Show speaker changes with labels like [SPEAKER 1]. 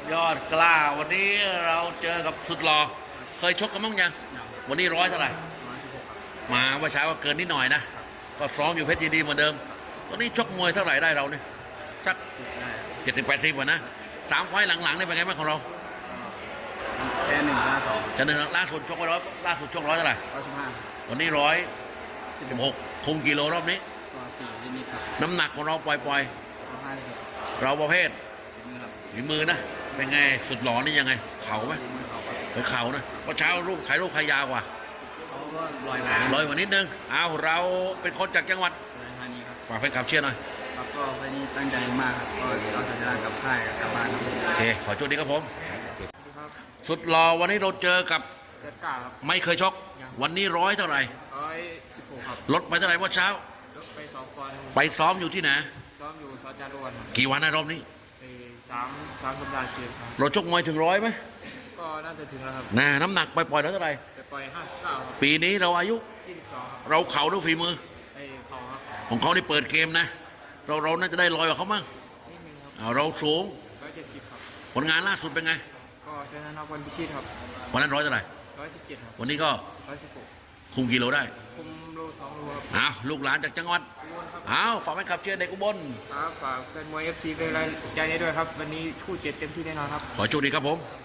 [SPEAKER 1] ยอดกล้าวันนี้เราเจอกับสุดหล่อเคยชกกันบ้างยังวันนี้ร้อยเท่าไหร่มาว่าเช้าก็เกินนิดหน่อยนะก็ซ้อมอยู่เพชรยินดีเหมือนเดิมตอนนี้ชกมวยเท่าไหร่ได้เราเนี่ยสัก70-80วันนะ3 ไฟล์หลังๆนี่เป็นไงบ้างของเรา
[SPEAKER 2] แค่1-2
[SPEAKER 1] จะหนึ่งล่าสุดชกไปร้อยล่าสุดชกร้อยเท่าไหร่
[SPEAKER 2] 115
[SPEAKER 1] วันนี้116คุมกิโลรอบนี้
[SPEAKER 2] ก็4นิดๆครับ
[SPEAKER 1] น้ำหนักของเราปล่อย
[SPEAKER 2] 50
[SPEAKER 1] เราประเภท
[SPEAKER 2] มือครับ
[SPEAKER 1] ฝีมือนะเป็นไงสุดหล่อนี่ยังไงเข่าไหม
[SPEAKER 2] มือเขาครับ
[SPEAKER 1] เป็นเข่านะเพราะเช้ารูปใครยาวกว่า
[SPEAKER 2] เขาก็ลอยมา
[SPEAKER 1] ลอยกว่านิดนึงเอาเราเป็นคนจากจังหวัด
[SPEAKER 2] ธานีครับ
[SPEAKER 1] ฝากแฟนคลับเชียร์หน่อย
[SPEAKER 2] ครับก็วันนี้ตั้งใจมากครับก็เอาชนะกับค่ายกับบ้านครับ
[SPEAKER 1] โอเคขอโชคดีครับผม
[SPEAKER 2] ครับ
[SPEAKER 1] สุดหล่อวันนี้เราเจอกับ
[SPEAKER 2] เกิดกล้าครับ
[SPEAKER 1] ไม่เคยชกวันนี้ร้อยเท่าไหร่
[SPEAKER 2] 116ครับ
[SPEAKER 1] ลดไปเท่าไหร่เมื่อเช้า
[SPEAKER 2] ลดไป2 ปอนด์
[SPEAKER 1] ไปซ้อมอยู่ที่ไหน
[SPEAKER 2] ซ้อมอยู่ซอจารวนครับ
[SPEAKER 1] กี่วันนะรอบนี้
[SPEAKER 2] ไป3 สัปดาห์เสร็จครับ
[SPEAKER 1] เราชกมวยถึงร้อยไหม
[SPEAKER 2] ก็น่าจะถึงแล้วครับ
[SPEAKER 1] น้ำหนักปล่อยๆเท่าไหร่
[SPEAKER 2] ไปปล่อย59ครับ
[SPEAKER 1] ปีนี้เราอายุ
[SPEAKER 2] 22ครับ
[SPEAKER 1] เราเข่าด้วยฝีมือ
[SPEAKER 2] ไปเขาครับ
[SPEAKER 1] ของเขาได้เปิดเกมนะเราน่าจะได้ลอยกว่าเขามั้ง
[SPEAKER 2] นิดนึงครับ
[SPEAKER 1] เราสูง
[SPEAKER 2] 170ครับ
[SPEAKER 1] ผลงานล่าสุดเป็นไง
[SPEAKER 2] ก็ชนะนครพิชิตครับ
[SPEAKER 1] วันนั้นร้อยเท่าไหร่
[SPEAKER 2] 117ครับ
[SPEAKER 1] วันนี้ก็
[SPEAKER 2] 116
[SPEAKER 1] คุมกิโลได้
[SPEAKER 2] คุมโล2 โลครับ
[SPEAKER 1] อ้าวลูกหลานจากจังหวัดอ้าวฝากแฟนคลับเชียร์เด็กอุบล
[SPEAKER 2] ครับฝากแฟนมวย FC เป็นกำลังใจให้ด้วยครับวันนี้คู่7เต็มที่แน่นอนครับ
[SPEAKER 1] ขอโชคดีครับผม